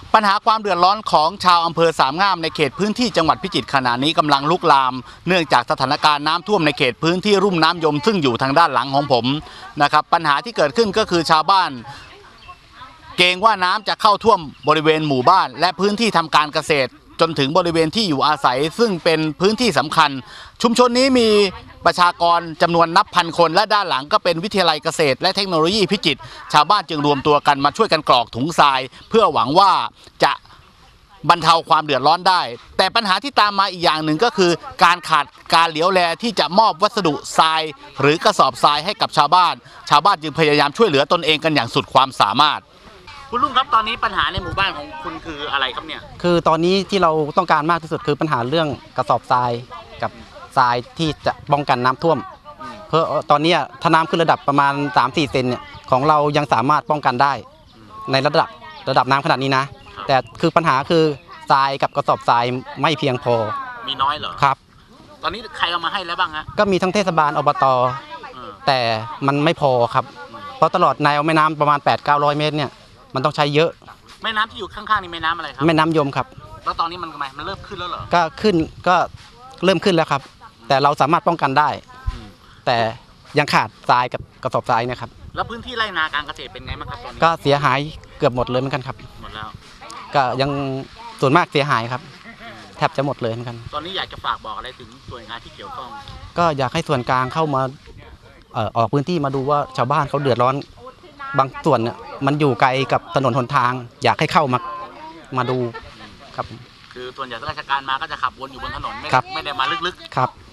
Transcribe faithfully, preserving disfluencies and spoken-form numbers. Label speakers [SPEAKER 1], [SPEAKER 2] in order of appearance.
[SPEAKER 1] ปัญหาความเดือดร้อนของชาวอำเภอสามงามในเขตพื้นที่จังหวัดพิจิตรขณะนี้กำลังลุกลามเนื่องจากสถานการณ์น้ำท่วมในเขตพื้นที่รุ่มน้ำยมซึ่งอยู่ทางด้านหลังของผมนะครับปัญหาที่เกิดขึ้นก็คือชาวบ้านเกรงว่าน้ำจะเข้าท่วมบริเวณหมู่บ้านและพื้นที่ทำการเกษตรจนถึงบริเวณที่อยู่อาศัยซึ่งเป็นพื้นที่สำคัญชุมชนนี้มีประชากรจำนวนนับพันคนและด้านหลังก็เป็นวิทยาลัยเกษตรและเทคโนโลยีพิจิตรชาวบ้านจึงรวมตัวกันมาช่วยกันกรอกถุงทรายเพื่อหวังว่าจะบรรเทาความเดือดร้อนได้แต่ปัญหาที่ตามมาอีกอย่างหนึ่งก็คือการขาดการเหลียวแลที่จะมอบวัสดุทรายหรือกระสอบทรายให้กับชาวบ้านชาวบ้านจึงพยายามช่วยเหลือตนเองกันอย่างสุดความสามารถคุณลุงครับตอนนี้ปัญหาในหมู่บ้านของคุณคืออะไรครับเนี่ย
[SPEAKER 2] คือตอนนี้ที่เราต้องการมากที่สุดคือปัญหาเรื่องกระสอบทรายกับทรายที่จะป้องกันน้ำท่วมเพราะตอนนี้ถ้าน้ำขึ้นระดับประมาณ สามถึงสี่ เซนเนี่ยของเรายังสามารถป้องกันได้ในระดับระดับน้ำขนาดนี้นะแต่คือปัญหาคือทรายกับกระสอบทรายไม่เพียงพอมีน้อยเหรอครับตอนนี้ใครเอามาให้แล้วบ้างฮะก็มีทั้งเทศบาลอบตแต่มันไม่พอครับเพราะตลอดแนวแม่น้ำประมาณ แปดถึงเก้าร้อย เมตรเนี่ยมันต้องใช้เยอะแม่น้ำที่อยู่ข้างๆนี่แม่น้ำอะไรครับแม่น้ำยมครับแล้วตอนนี้มันทำไมมันเริ่มขึ้นแล้วเหรอก็ขึ้นก็เริ่มขึ้นแล้วครับแต่เราสามารถป้องกันได้แต่ยังขาดทรายกับกระสอบทรายนะครับแล้วพื้นที่ไร่นาการเกษตรเป็นไงบ้างครับตอนนี้ก็เสียหายเกือบหมดเลยเหมือนกันครับหมดแล้วก็ยังส่วนมากเสียหายครับแทบจะหมดเลยเหมือนกันตอนนี้อยากจะฝากบอกอะไรถึงส่วนงานที่เกี่ยวข้องก็อยากให้ส่วนกลางเข้ามาเอ่อออกพื้นที่มาดูว่าชาวบ้านเขาเดือดร้อนบางส่วนเนี่ยมันอยู่ไกลกับถนนหนทางอยากให้เข้ามามาดูครับคือส่วนใหญ่ราชการมาก็จะขับวนอยู่บนถนนไม่ไม่ได้มาลึกๆครับ